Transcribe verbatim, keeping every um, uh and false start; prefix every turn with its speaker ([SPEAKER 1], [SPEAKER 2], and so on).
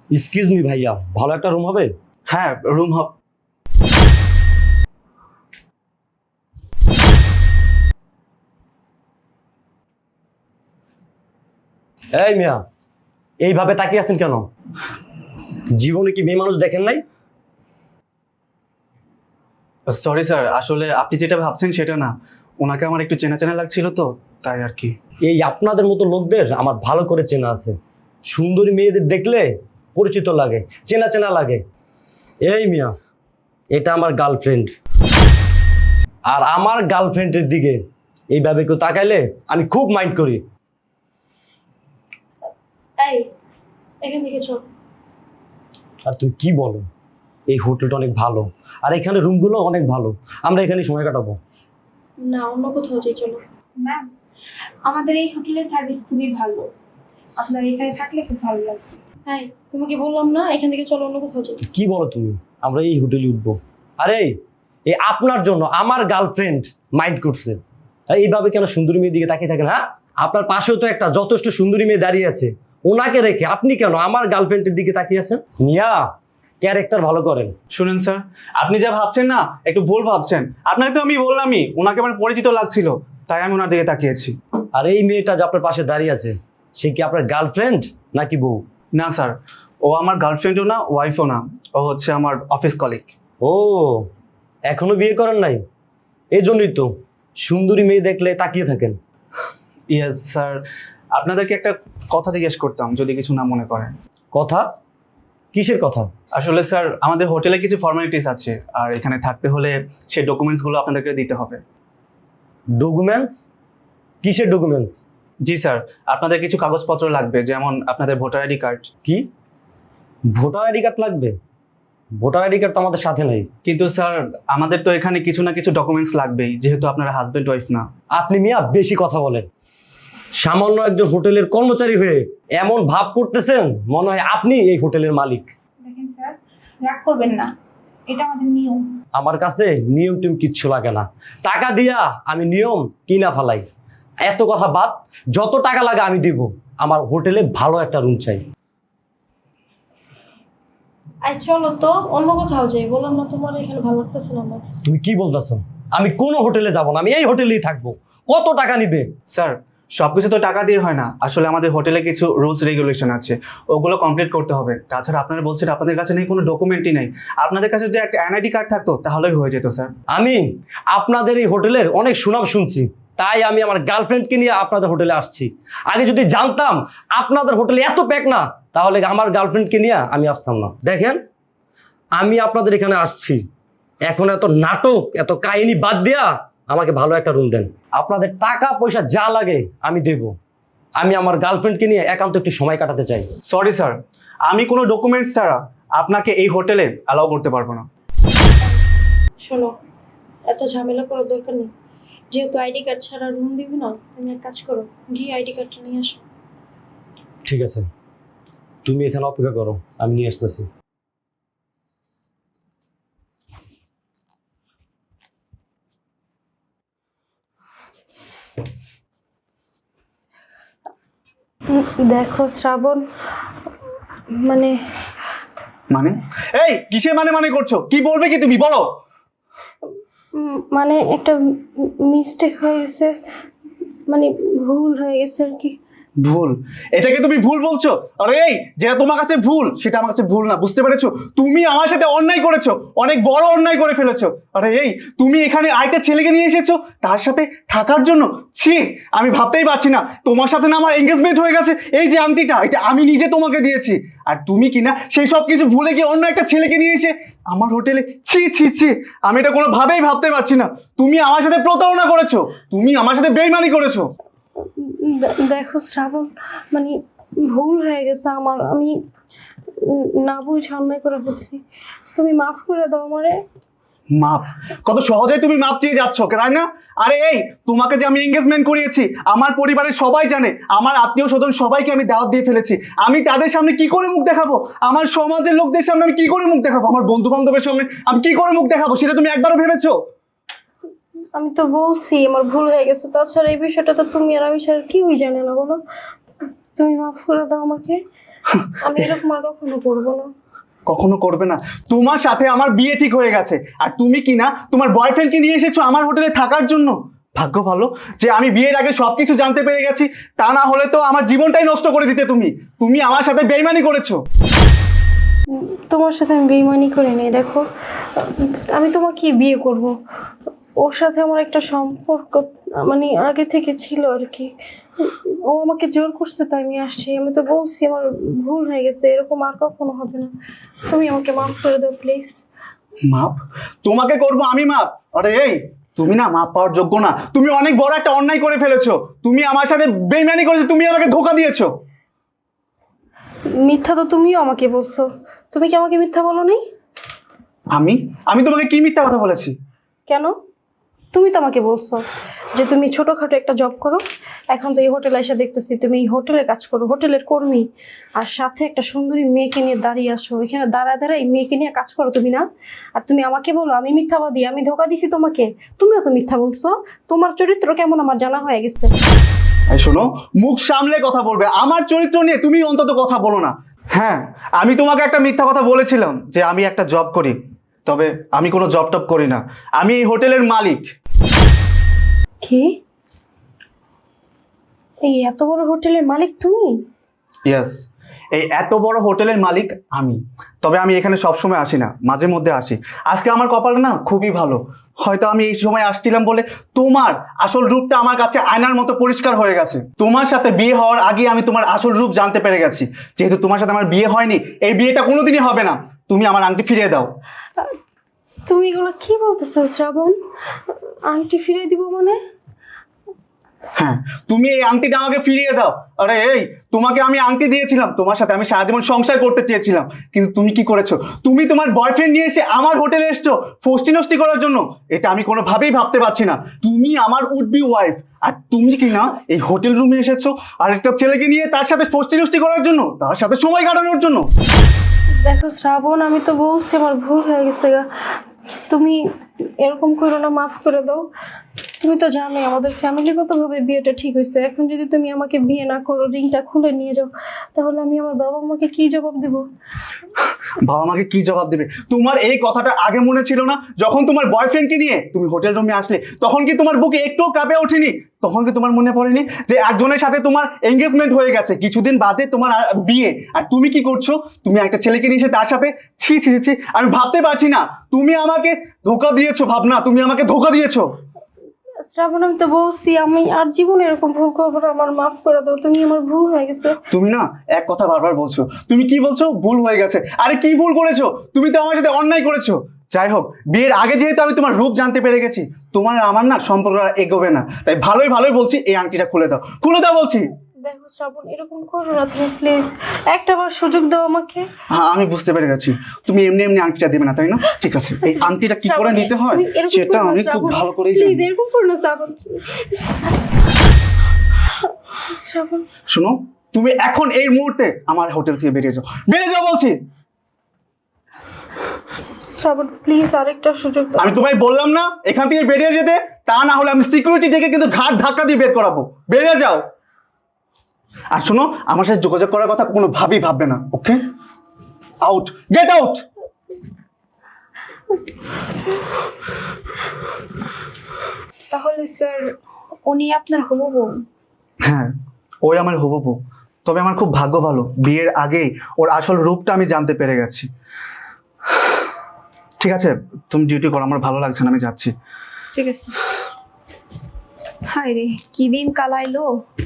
[SPEAKER 1] Excuse me ভাইয়া, ভালো একটা রুম হবে?
[SPEAKER 2] হ্যাঁ, রুম হব।
[SPEAKER 1] এই মিয়া, এইভাবে তাকিয়ে আছেন কেন? জীবনে কি মেয়ে মানুষ দেখেন নাই?
[SPEAKER 2] সরি স্যার, আসলে আপনি যেটা ভাবছেন সেটা না। ওনাকে আমার একটু চেনা চেনা লাগছিল তো, তাই আর কি।
[SPEAKER 1] এই আপনাদের মতো লোকদের আমার ভালো করে চেনা আছে। সুন্দরী মেয়েদের দেখলে পরিচিত লাগে, চেনা চেনা লাগে। এই মিয়া, এটা আমার গার্লফ্রেন্ড, আর আমার গার্লফ্রেন্ডের দিকে এইভাবে কেউ তাকাইলে আমি খুব মাইন্ড করি।
[SPEAKER 3] এই এখান থেকে চল।
[SPEAKER 1] আর তুমি কি বলো? এই হোটেলটা অনেক ভালো, আর এখানে রুমগুলো অনেক ভালো, আমরা এখানে সময় কাটাবো।
[SPEAKER 3] না, অন্য কোথাও যাই, চলো।
[SPEAKER 4] ম্যাম, আমাদের এই হোটেলের সার্ভিস খুবই ভালো, আপনার এখানে থাকলে খুব ভালো লাগবে।
[SPEAKER 3] এই তোমাকে বললাম না এখান থেকে চলো, অন্য কোথাও যাই।
[SPEAKER 1] কি বলো তুমি? আমরা এই হোটেলে উঠবো? আরে এই আপনার জন্য আমার গার্লফ্রেন্ড মাইন্ড করছে, আর এইভাবে কেন সুন্দরী মেয়ের দিকে তাকিয়ে থাকেন? হ্যাঁ, আপনার পাশেও তো একটা যথেষ্ট সুন্দরী মেয়ে দাঁড়িয়ে আছে, ওনাকে রেখে আপনি কেন আমার গার্লফ্রেন্ডের দিকে তাকিয়ে আছেন? মিয়া, ক্যারেক্টার ভালো করেন।
[SPEAKER 2] শুনেন স্যার, আপনি যা ভাবছেন না একটু ভুল ভাবছেন। আপনাকে তো আমি বললামই ওনাকে আমার পরিচিত লাগছিল, তাই আমি ওনার দিকে তাকিয়েছি।
[SPEAKER 1] আর এই মেয়েটা যে আপনার পাশে দাঁড়িয়ে আছে, সে কি আপনার গার্লফ্রেন্ড নাকি বউ?
[SPEAKER 2] না স্যার, ও আমার গার্লফ্রেন্ডও না, ওয়াইফও না। ও হচ্ছে আমার অফিস কলিগ।
[SPEAKER 1] ও, এখনো বিয়ে করেন নাই? এই জন্যই তো সুন্দরী মেয়ে দেখলে তাকিয়ে থাকেন।
[SPEAKER 2] ইয়েস স্যার, আপনাদেরকে একটা কথা জিজ্ঞেস করতাম যদি কিছু না মনে করেন।
[SPEAKER 1] কথা? কিসের কথা?
[SPEAKER 2] আসলে স্যার, আমাদের হোটেলে কিছু ফর্মালিটিস আছে, আর এখানে থাকতে হলে সেই ডকুমেন্টসগুলো আপনাদেরকে দিতে হবে।
[SPEAKER 1] ডকুমেন্টস? কিসের ডকুমেন্টস?
[SPEAKER 2] জি স্যার, আপনাদের কিছু কাগজপত্র লাগবে, যেমন আপনাদের ভোটার আইডি কার্ড।
[SPEAKER 1] কি ভোটার আইডি কার্ড লাগবে? ভোটার আইডি কার্ড তো আমাদের সাথে নাই।
[SPEAKER 2] কিন্তু স্যার, আমাদের তো এখানে কিছু না কিছু ডকুমেন্টস লাগবেই, যেহেতু আপনারা হাজব্যান্ড ওয়াইফ না।
[SPEAKER 1] আপনি মিয়া বেশি কথা বলেন। সামান্য একজন হোটেলের কর্মচারী হয়ে এমন ভাব করতেছেন মনে হয় আপনি এই হোটেলের মালিক।
[SPEAKER 4] দেখেন স্যার, রাগ করবেন না, এটা আমাদের নিয়ম।
[SPEAKER 1] আমার কাছে নিয়ম টিম কিচ্ছু লাগে না, টাকা দিয়া আমি নিয়ম কিনা ফেলাই। এত কথা বাদ, যত টাকা লাগে আমি দিব। আমার হোটেলে ভালো একটা রুম চাই।
[SPEAKER 3] এই চলো তো অন্য কোথাও যাই, বললাম না তোমার এখানে ভালো লাগতেছে না আমার।
[SPEAKER 1] তুমি কি বলতেছো? আমি কোনো হোটেলে যাব না, আমি এই হোটেলেই থাকবো। কত টাকা নিবে?
[SPEAKER 2] স্যার, সবকিছু তো টাকা দিয়ে হয় না, আসলে আমাদের হোটেলে কিছু রুলস রেগুলেশন আছে, ওগুলো কমপ্লিট করতে হবে। তাছাড়া আপনারা বলছেন আপনাদের কাছে নেই, কোনো ডকুমেন্টই নেই। আপনাদের কাছে যদি একটা এনআইডি কার্ড থাকতো তাহলেই হয়ে যেত স্যার।
[SPEAKER 1] আমি আপনাদের এই হোটেলের অনেক সুনাম শুনছি, তাই আমি আমার গার্লফ্রেন্ডকে নিয়ে আপনাদের হোটেলে আসছি। আগে যদি জানতাম আপনাদের হোটেলে এত প্যাক না, তাহলে আমার গার্লফ্রেন্ডকে নিয়ে আমি আসতাম না। দেখেন, আমি আপনাদের এখানে আসছি, এখন এত নাটক এত কাহিনী বাদ দিয়া আমাকে ভালো একটা রুম দেন। আপনাদের টাকা পয়সা যা লাগে আমি দেব। আমি আমার গার্লফ্রেন্ডকে নিয়ে একান্ত একটু সময় কাটাতে চাই।
[SPEAKER 2] সরি স্যার, আমি কোনো ডকুমেন্টস ছাড়া আপনাকে এই হোটেলে অ্যালাউ করতে পারবো না।
[SPEAKER 3] শোনো, এত ঝামেলা করার দরকার নেই। যেহেতু আইডি কার্ড ছাড়া রুম দিবি না, তুমি এক কাজ করো, গিয়ে আইডি কার্ডটা নিয়ে আসো।
[SPEAKER 1] ঠিক আছে, তুমি এখানে অপেক্ষা করো, আমি নিয়ে আসতেছি।
[SPEAKER 3] দেখো শ্রাবণ, মানে
[SPEAKER 2] মানে এই কিসের মানে মানে করছো? কি বলবে কি তুমি, বলো।
[SPEAKER 3] উম, মানে একটা মিস্টেক হয়ে গেছে, মানে ভুল হয়ে গেছে আর কি।
[SPEAKER 2] ভুল? এটাকে তুমি ভুল বলছো? আরে এই, যেটা তোমার কাছে ভুল সেটা আমার কাছে ভুল না, বুঝতে পেরেছো? তুমি আমার সাথে অন্যায় করেছো, অনেক বড় অন্যায় করে ফেলেছো। আরে এই, তুমি এখানে আরেকটা ছেলেকে নিয়ে এসেছো তার সাথে থাকার জন্য। ছি, আমি ভাবতেই পারছি না, তোমার সাথে না আমার এঙ্গেজমেন্ট হয়ে গেছে। এই যে আংটিটা, এটা আমি নিজে তোমাকে দিয়েছি, আর তুমি কিনা সেই সব কিছু ভুলে গিয়ে অন্য একটা ছেলেকে নিয়ে এসে আমার হোটেলে। ছি ছি ছি, আমি এটা কোনোভাবেই ভাবতে পারছি না। তুমি আমার সাথে প্রতারণা করেছো, তুমি আমার সাথে বেইমানি করেছো।
[SPEAKER 3] দে- দেখো শ্রাবণ, মানে ভুল হয়ে গেছে আমার, আমি উম, না বুঝে অন্যায় করে বলছি, তুমি মাফ করে দাও আমারে।
[SPEAKER 2] মাপ? কত সহজেই তুমি মাপ চেয়ে যাচ্ছ, তাই না? আরে এই, তোমাকে যে আমি এঙ্গেজমেন্ট করিয়েছি, আমার পরিবারের সবাই জানে, আমার আত্মীয় স্বজন সবাইকে আমি দাওয়াত দিয়ে ফেলেছি। আমি তাদের সামনে কি করে মুখ দেখাবো? আমার সমাজের লোকদের সামনে আমি কি করে মুখ দেখাবো? আমার বন্ধু বান্ধবের সামনে আমি কি করে মুখ দেখাবো? সেটা তুমি একবারও ভেবেছো?
[SPEAKER 3] আমি তো বলছি আমার ভুল হয়ে গেছে, তাছাড়া এই বিষয়টা তো তুমি আর আমি ছাড়া কেউই জানে না, বলো। তুমি মাফ করে দাও আমাকে। আমি এরকম আর কখনো করবো না।
[SPEAKER 2] কখনো করবে না? তোমার সাথে আমার বিয়ে ঠিক হয়ে গেছে, আর তুমি কি না তোমার বয়ফ্রেন্ডকে নিয়ে এসেছো আমার হোটেলে থাকার জন্য। ভাগ্য ভালো যে আমি বিয়ের আগে সবকিছু জানতে পেরে গেছি, তা না হলে তো আমার জীবনটাই নষ্ট করে দিতে তুমি। তুমি আমার সাথে বেইমানি করেছো।
[SPEAKER 3] উম, তোমার সাথে আমি বেইমানি করে নেই। দেখো, আমি তোমাকে বিয়ে করব, ওর সাথে আমার একটা সম্পর্ক মানে আগে থেকে ছিল আর কি। ও আমাকে জোর করছে তাই আমি আসছি। আমি তো বলছি আমার ভুল হয়ে গেছে, এরকম আর কখনো হবে না। তুমি আমাকে মাফ করে দাও প্লিজ।
[SPEAKER 2] মাপ? তোমাকে করব আমি মাপ? আরে এই, তুমি না মাপ পাওয়ার যোগ্য না। তুমি অনেক বড় একটা অন্যায় করে ফেলেছো। তুমি আমার সাথে বেইমানি করেছো, তুমি আমাকে ধোকা দিয়েছো।
[SPEAKER 3] মিথ্যা তো তুমিও আমাকে বলছো। তুমি কি আমাকে মিথ্যা বলো নাই?
[SPEAKER 2] আমি আমি তোমাকে কি মিথ্যা কথা বলেছি?
[SPEAKER 3] কেন? তুমি তো আমাকে বলছো যে তুমি ছোটখাটো একটা জব করো, এখন তো এই হোটেলে এসে দেখতেছি তুমি এই হোটেলে কাজ করো, হোটেলের কর্মী, আর সাথে একটা সুন্দরী মেয়েকে নিয়ে দাঁড়িয়ে আসো, এখানে দাঁড়ায় দাঁড়ায় এই মেয়েকে নিয়ে কাজ করো তুমি না? আর তুমি আমাকে বলো আমি মিথ্যাবাদী, আমি ধোকা দিছি তোমাকে। তুমিও তো মিথ্যা বলছো। তোমার চরিত্র কেমন আমার জানা হয়ে গেছে।
[SPEAKER 2] এই শোনো, মুখ সামলে কথা বলবে। আমার চরিত্র নিয়ে তুমি অন্তত কথা বলো না। হ্যাঁ, আমি তোমাকে একটা মিথ্যা কথা বলেছিলাম যে আমি একটা জব করি, তবে আমি কোনো জব টব করি না। আমি এই হোটেলের মালিক।
[SPEAKER 3] কি? এই এত বড় হোটেলের মালিক তুমি?
[SPEAKER 2] ইয়েস, এই এত বড় হোটেলের মালিক আমি। তবে আমি এখানে সবসময় আসি না, মাঝে মধ্যে আসি। আজকে আমার কপালটা না খুবই ভালো। হয়তো আমি এই সময় আসছিলাম বলে তোমার আসল রূপটা আমার কাছে আয়নার মতো পরিষ্কার হয়ে গেছে। তোমার সাথে বিয়ে হওয়ার আগে আমি তোমার আসল রূপ জানতে পেরে গেছি। যেহেতু তোমার সাথে আমার বিয়ে হয়নি, এই বিয়েটা কোনোদিনই হবে না। তুমি আমার আংটি ফিরিয়ে দাও।
[SPEAKER 3] তুমি এগুলো কি বলতেছো শ্রাবণ? আংটি ফিরে দিব মানে?
[SPEAKER 2] হ্যাঁ, তুমি এই আংটিটা আমাকে ফিরিয়ে দাও। আরে এই, তোমাকে আমি আংটি দিয়েছিলাম, তোমার সাথে আমি সারা জীবন সংসার করতে চেয়েছিলাম, কিন্তু তুমি কি করেছো? তুমি তোমার বয়ফ্রেন্ড নিয়ে এসে আমার হোটেলে এসছো ফষ্টি নষ্টি করার জন্য। এটা আমি কোনোভাবেই ভাবতে পারছি না। তুমি আমার উড বি ওয়াইফ, আর তুমি কি না এই হোটেল রুমে এসেছো আর একটা ছেলেকে নিয়ে তার সাথে ফষ্টি নষ্টি করার জন্য, তার সাথে সময় কাটানোর জন্য।
[SPEAKER 3] দেখো শ্রাবণ, আমি তো বলছি আমার ভুল হয়ে গেছে গা। তুমি এরকম করো না, মাফ করে দাও। তুমি তো জানোই আমাদের ফ্যামিলিগতভাবে বিয়েটা ঠিক হয়েছে। এখন যদি তুমি আমাকে বিয়ে না করো, রিংটা খুলে নিয়ে যাও, তাহলে আমি আমার বাবা মাকে কি জবাব দেব?
[SPEAKER 2] বাবা মাকে কি জবাব দেবে? তোমার এই কথাটা আগে মনে ছিল না? যখন তোমার বয়ফ্রেন্ডকে নিয়ে তুমি হোটেল রুমে আসলে, তখন কি তোমার বুকে একটুও কাঁপে ওঠেনি? তখন কি তোমার মনে পড়েনি যে একজনের সাথে তোমার এঙ্গেজমেন্ট হয়ে গেছে, কিছুদিন বাদে তোমার আ- বিয়ে, আর তুমি কি করছো? তুমি একটা ছেলেকে নিয়ে এসে তার সাথে, ছি ছি ছি ছি, আমি ভাবতে পারছি না। তুমি আমাকে ধোকা দিয়েছো ভাবনা, তুমি আমাকে ধোকা দিয়েছো।
[SPEAKER 3] শ্রাবণ, আমি তো বলছি আমি আর জীবনে এরকম ভুল করবো না, আমার মাফ করে দাও। তুমি আমার ভুল হয়ে গেছে।
[SPEAKER 2] তুমি না এক কথা বারবার বলছো। তুমি কি বলছো? ভুল হয়ে গেছে। আরে কি ভুল করেছো? তুমি তো আমার সাথে অন্যায় করেছো। যাই হোক, বিয়ের আগে যেহেতু আমি তোমার রূপ জানতে পেরে গেছি, তোমার আর আমার না সম্পর্ক আর এগোবে না। তাই ভালোই ভালোই বলছি, এই আংটিটা খুলে দাও, খুলে দাও বলছি।
[SPEAKER 3] দেখো শ্রাবণ, এরকম করো না তুমি প্লিজ। একটা বার সুযোগ দাও আমাকে।
[SPEAKER 2] হ্যাঁ, আমি বুঝতে পেরে গেছি। তুমি এমনি এমনি আংটিটা দেবে না, তাই না? ঠিক আছে, এই আংটিটা কি করে নিতে হয়
[SPEAKER 3] তুমি এরকম
[SPEAKER 2] সেটা
[SPEAKER 3] করো না,
[SPEAKER 2] আমি খুব
[SPEAKER 3] শ্রাবণ।
[SPEAKER 2] ভালো করেই
[SPEAKER 3] প্লিজ
[SPEAKER 2] জানি।
[SPEAKER 3] এরকম করো না শ্রাবণ। শ্রাবণ,
[SPEAKER 2] শোনো, তুমি এখন এই মুহূর্তে আমার হোটেল থেকে বেরিয়ে যাও, বেরিয়ে যাও বলছি।
[SPEAKER 3] শ্রাবণ প্লিজ আরেকটা সুযোগ দাও।
[SPEAKER 2] আমি তোমায় বললাম না এখান থেকে বেরিয়ে যেতে? তা না হলে আমি সিকিউরিটি ডেকে কিন্তু ঘাট ধাক্কা দিয়ে বের করাবো। বেরিয়ে যাও। আর শোনো, আমার সাথে যোগাযোগ করার কথা কোনো ভাবেই ভাববে না। Okay, out, get out.
[SPEAKER 4] তাহলে স্যার উনি আপনার হবু বউ?
[SPEAKER 2] হ্যাঁ, ওই আমার হবু বউ। তবে আমার খুব ভাগ্য ভালো, বিয়ের আগেই ওর আসল রূপটা আমি জানতে পেরে গেছি। ঠিক আছে, তুমি ডিউটি করো, আমার ভালো লাগছে না, আমি যাচ্ছি।
[SPEAKER 4] ঠিক আছে। হায় রে, কি দিন কাল আইলো।